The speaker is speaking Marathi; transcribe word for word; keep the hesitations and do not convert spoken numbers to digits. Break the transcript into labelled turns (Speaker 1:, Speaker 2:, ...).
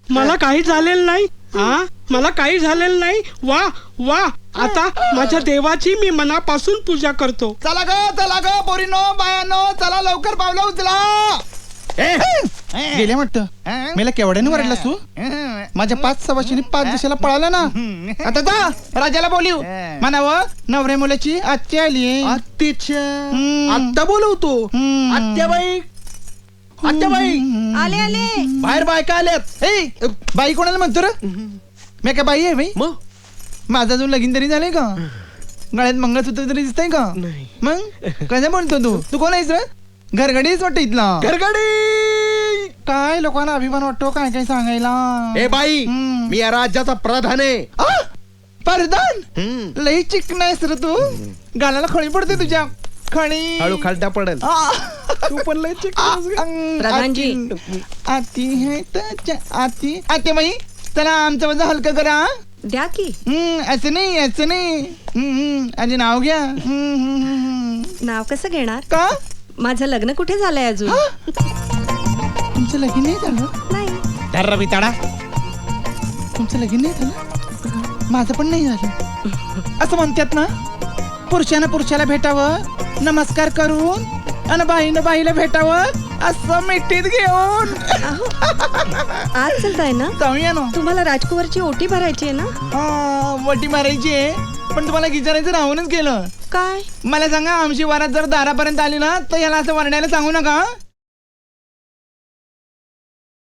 Speaker 1: मला काही झालेलं नाही. हा मला काही झालेलं नाही. वा वा आता माझ्या देवाची मी मनापासून पूजा करतो.
Speaker 2: चला ग चला ग पोरीनो बायानो, चला लवकर पावलं उचला. गेले वाटतं मला केवढ्याने वरडलास तू. माझ्या पाच सवाशीने पाच दिवसाला पळाला ना. आता जा राजाला बोलू म्हणाव नवऱ्या मुलाची आत्या आली.
Speaker 3: आत्तीच्या आत्ता बोलवतो. आत्याबाई आत्याबाई
Speaker 4: आले आले.
Speaker 3: बाहेर बायका आल्यात.
Speaker 2: ए बाई कोणाला म्हणतो रे. मी काय बाई आहे बाई.
Speaker 3: मग
Speaker 2: माझा अजून लगीन तरी झालंय का. गळ्यात मंगळसूत्र तरी दिसतंय का. मग कसं म्हणतो तू. तू कोण आहेस रे. घरगडीच वाटत इथला.
Speaker 3: घरगडी
Speaker 2: काय लोकांना अभिमान वाटतो काय काय सांगायला.
Speaker 3: ए बाई
Speaker 2: हम्म.
Speaker 3: मी या राज्याचा प्रधान आहे.
Speaker 2: आ, परदान
Speaker 3: हम्म.
Speaker 2: लई चिकन आहेस रे तू. गालाला खळी पडते तुझ्या. खणी
Speaker 3: हळू खालटा पडेल.
Speaker 2: आ,
Speaker 3: तू पण लय चिकन.
Speaker 2: अंग,
Speaker 4: प्रधानजी.
Speaker 2: आती आती है त्याच्या आती. आते बाई चला आमचं वजन हलकं करा.
Speaker 4: द्या की.
Speaker 2: हम्म, असं नाही असं नाही. हम्म, हम्म, आधी नाव घ्या. हम्म, हम्म, हम्म.
Speaker 4: नाव कसं घेणार.
Speaker 2: का
Speaker 4: माझं लग्न कुठे झालंय अजून.
Speaker 2: हा? तुमचं लगीन नाही झालं.
Speaker 4: नाही.
Speaker 2: तर रवी ताडा तुमचं लगीन नाही झालं. माझं पण नाही झालं. असं म्हणतात ना पुरुषानं पुरुषाला भेटावं नमस्कार करून आणि बाईनं बाईला भेटावं असं मिठीत घेऊन.
Speaker 4: अहो, आज चलताय ना.
Speaker 2: जाऊया ना.
Speaker 4: तुम्हाला राजकुमारची ओटी भरायची आहे ना.
Speaker 2: हा, वटी मारायची आहे पण तुम्हाला विचारायचं राहूनच गेलं.
Speaker 4: काय.
Speaker 2: मला सांगा आमची वारात जर दारापर्यंत आली ना तर याला असं वरण्याला सांगू नका.